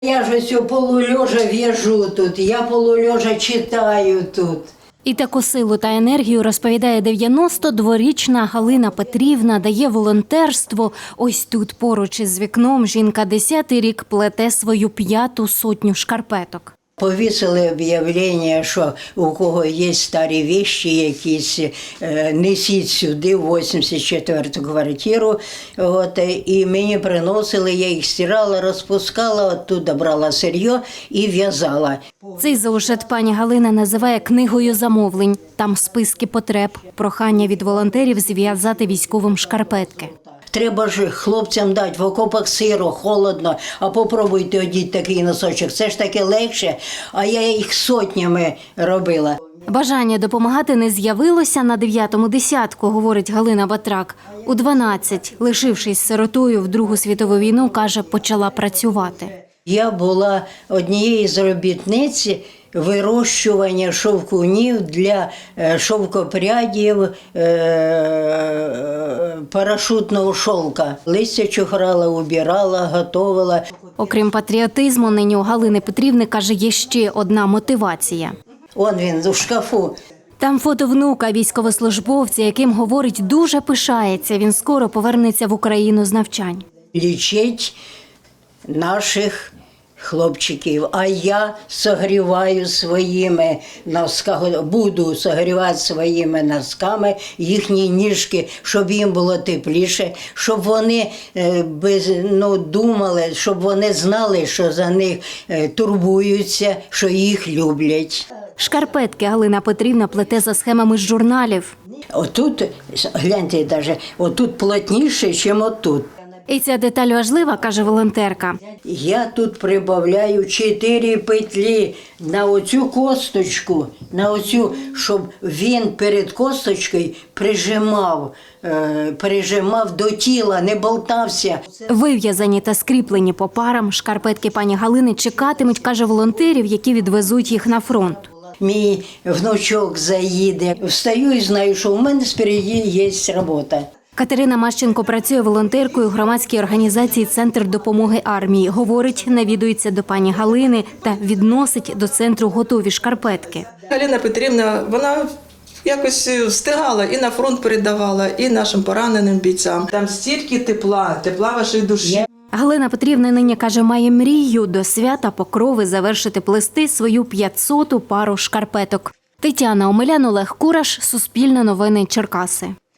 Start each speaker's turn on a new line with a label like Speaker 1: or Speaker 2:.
Speaker 1: Я ж ось полулежа в'яжу тут, я полулежа читаю тут.
Speaker 2: І таку силу та енергію, розповідає 92-річна Галина Петрівна, дає волонтерство. Ось тут поруч із вікном жінка 10-й рік плете свою 5-ту сотню шкарпеток.
Speaker 1: Повісили об'явлення, що у кого є старі вещі якісь, несіть сюди, в 84-ту квартиру. От, і мені приносили, я їх стирала, розпускала, оттуда брала сир'я і в'язала.
Speaker 2: Цей заушет пані Галина називає книгою замовлень. Там списки потреб, прохання від волонтерів зв'язати військовим шкарпетки.
Speaker 1: Треба ж хлопцям дати, в окопах сиро, холодно, а попробуйте одіть такий носочок. Це ж таке легше, а я їх сотнями робила.
Speaker 2: Бажання допомагати не з'явилося на 9-му десятку, говорить Галина Батрак. У 12, лишившись сиротою в Другу світову війну, каже, почала працювати.
Speaker 1: Я була однією з робітниць вирощування шовкунів для шовкопрядів парашутного шовка. Листя чухрала, убирала, готувала.
Speaker 2: Окрім патріотизму, нині у Галини Петрівни, каже, є ще одна мотивація.
Speaker 1: Он він у шкафу.
Speaker 2: Там фото внука, військовослужбовця, яким, говорить, дуже пишається. Він скоро повернеться в Україну з навчань.
Speaker 1: Лічить наших хлопчиків, а я согріваю своїми носками, буду согрівати своїми носками їхні ніжки, щоб їм було тепліше, щоб вони думали, щоб вони знали, що за них турбуються, що їх люблять.
Speaker 2: Шкарпетки Галина Петрівна плете за схемами з журналів.
Speaker 1: Отут, гляньте, навіть, отут плотніше, ніж отут.
Speaker 2: І ця деталь важлива, каже волонтерка.
Speaker 1: Я тут прибавляю 4 петлі на оцю косточку, на оцю, щоб він перед косточкою прижимав до тіла, не болтався.
Speaker 2: Вив'язані та скріплені по парам, шкарпетки пані Галини чекатимуть, каже, волонтерів, які відвезуть їх на фронт.
Speaker 1: Мій внучок заїде. Встаю і знаю, що в мене спереді є робота.
Speaker 2: Катерина Мащенко працює волонтеркою у громадській організації «Центр допомоги армії». Говорить, навідується до пані Галини та відносить до центру готові шкарпетки.
Speaker 3: Галина Петрівна, вона якось встигала і на фронт передавала, і нашим пораненим бійцям. Там стільки тепла вашої душі.
Speaker 2: Галина Петрівна нині, каже, має мрію до свята Покрови завершити плести свою 500-ту пару шкарпеток. Тетяна Омелян, Олег Кураш, Суспільне новини, Черкаси.